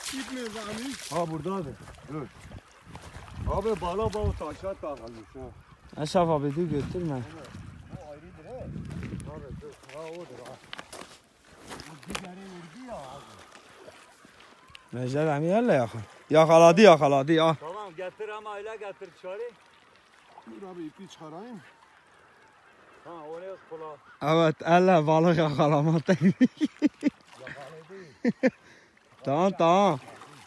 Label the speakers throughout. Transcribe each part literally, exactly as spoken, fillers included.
Speaker 1: İp nerede Amir?
Speaker 2: Ha buradadır. Dur. Abi bana bana taşa takılmış ha.
Speaker 3: Eşref abi dur götürme.
Speaker 2: Bu ayrıdır he. Abi dur. Ha odur ha. Bu digeri vurdu ya abi.
Speaker 3: Mecel Emi yerle yakın. Yakaladı yakaladı ya.
Speaker 2: Tamam getir ama öyle getir dışarı.
Speaker 1: Dur abi ipi çıkarayım.
Speaker 2: Ha oraya kula.
Speaker 3: Evet elle balık yakalama tekniği.
Speaker 2: Yakaladı.
Speaker 3: Tamam tamam.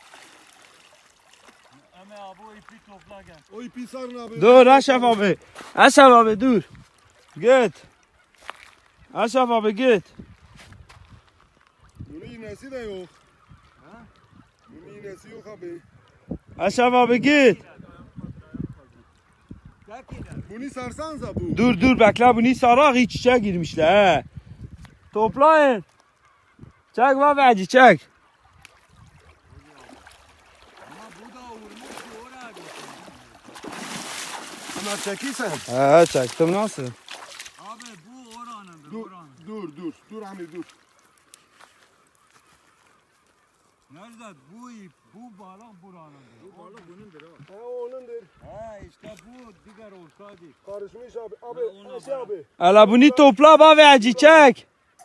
Speaker 2: Ama abi o ipi topla gel.
Speaker 1: O ipi sarın abi.
Speaker 3: Dur Eşref abi. Eşref abi dur. Git. Eşref abi git.
Speaker 1: Bunun iğnesi de yok.
Speaker 2: Ha?
Speaker 1: Bunun iğnesi yok abi.
Speaker 3: Eşref abi git.
Speaker 1: Bunu sarsanıza bu.
Speaker 3: Dur dur bekle bunu sarak iç içe girmişler he. Toplayın. Çek babacı çek.
Speaker 2: Ama bu da vurmuş ki oraya gitsin.
Speaker 1: Bunlar çekiysen.
Speaker 3: He çektim nasıl?
Speaker 2: Abi bu oranındır
Speaker 1: Dur,
Speaker 2: oranın.
Speaker 1: dur, dur. Dur Amir dur.
Speaker 2: Nerede bu ip, bu balık buranındır. Bu balık bunundur ha.
Speaker 1: Ha onundur.
Speaker 2: He işte bu diğer olsaydı.
Speaker 1: Karışmış abi. Abi,
Speaker 2: Ha, ona
Speaker 1: Ayşe
Speaker 2: bak.
Speaker 1: abi.
Speaker 3: Hele bunu topla babacı çek.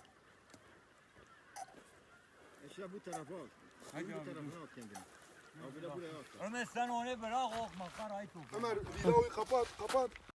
Speaker 4: Eşya bu tarafa al.
Speaker 2: Hadi
Speaker 4: Bu
Speaker 2: abi,
Speaker 4: tarafına al kendini. Abi de buraya al.
Speaker 2: Ömer sen onu bırak o makarayı topla.
Speaker 1: Ömer videoyu kapat, kapat.